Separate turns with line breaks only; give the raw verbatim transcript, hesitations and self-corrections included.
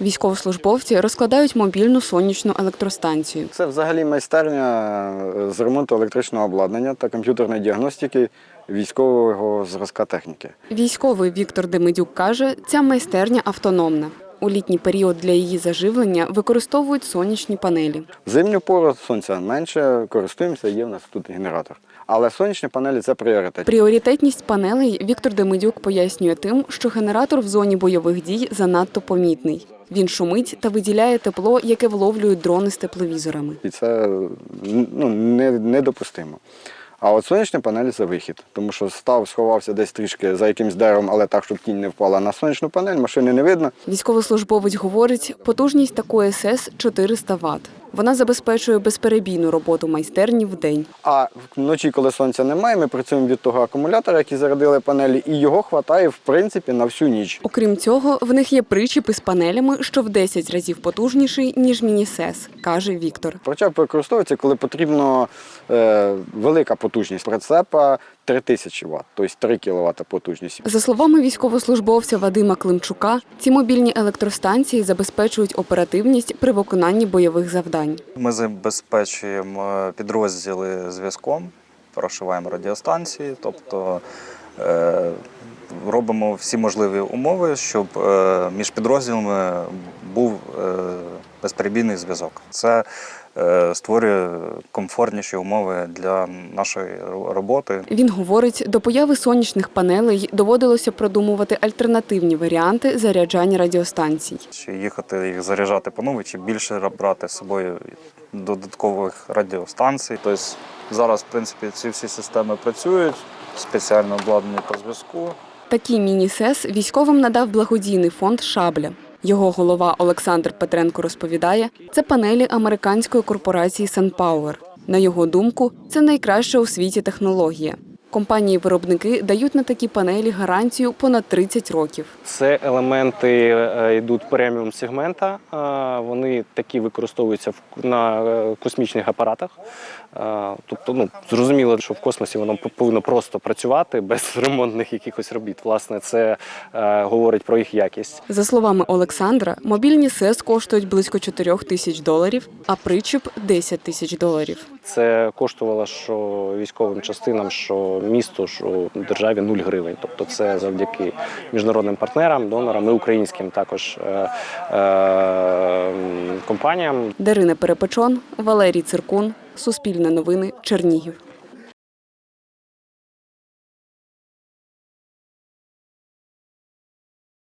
Військовослужбовці розкладають мобільну сонячну електростанцію.
Це взагалі майстерня з ремонту електричного обладнання та комп'ютерної діагностики військового зразка техніки.
Військовий Віктор Демидюк каже, ця майстерня автономна. У літній період для її заживлення використовують сонячні панелі.
В зимню пору сонця менше, користуємося, є в нас тут генератор. Але сонячні панелі – це пріоритет.
Пріоритетність панелей Віктор Демидюк пояснює тим, що генератор в зоні бойових дій занадто помітний. Він шумить та виділяє тепло, яке вловлюють дрони з тепловізорами.
І це ну, не, недопустимо. А от сонячні панелі – це вихід. Тому що став, сховався десь трішки за якимсь деревом, але так, щоб тінь не впала на сонячну панель, машини не видно.
Військовослужбовець говорить, потужність такої ес – чотириста ват. Вона забезпечує безперебійну роботу майстерні вдень.
А вночі, коли сонця немає, ми працюємо від того акумулятора, який зарядили панелі, і його вистачає, в принципі, на всю ніч.
Окрім цього, в них є причіп із панелями, що в десять разів потужніший, ніж міні-сес, каже Віктор.
Причеп використовується, коли потрібна е, велика потужність. Прицепа три тисячі ват, тобто три кіловати потужність.
За словами військовослужбовця Вадима Климчука, ці мобільні електростанції забезпечують оперативність при виконанні бойових завдань.
Ми забезпечуємо підрозділи зв'язком, прошиваємо радіостанції, тобто е, робимо всі можливі умови, щоб е, між підрозділами був е, безперебійний зв'язок. Це е, створює комфортніші умови для нашої роботи.
Він говорить, до появи сонячних панелей доводилося продумувати альтернативні варіанти заряджання радіостанцій.
Чи їхати їх заряджати по новій, чи більше брати з собою додаткових радіостанцій. Тобто зараз, в принципі, ці всі системи працюють, спеціально обладнані по зв'язку.
Такі міні-сес військовим надав благодійний фонд «Шабля». Його голова Олександр Петренко розповідає, це панелі американської корпорації SunPower. На його думку, це найкраща у світі технологія. Компанії-виробники дають на такі панелі гарантію понад тридцять років.
Це елементи йдуть преміум-сегмента, вони такі використовуються на космічних апаратах. Тобто, ну, зрозуміло, що в космосі воно повинно просто працювати без ремонтних якихось робіт. Власне, це е, говорить про їх якість.
За словами Олександра, мобільні сес коштують близько чотирьох тисяч доларів, а причіп – десять тисяч доларів.
Це коштувало що військовим частинам, що місту, що державі нуль гривень. Тобто це завдяки міжнародним партнерам, донорам і українським також е, е, компаніям.
Дарина Перепечон, Валерій Циркун, Суспільне новини, Чернігів.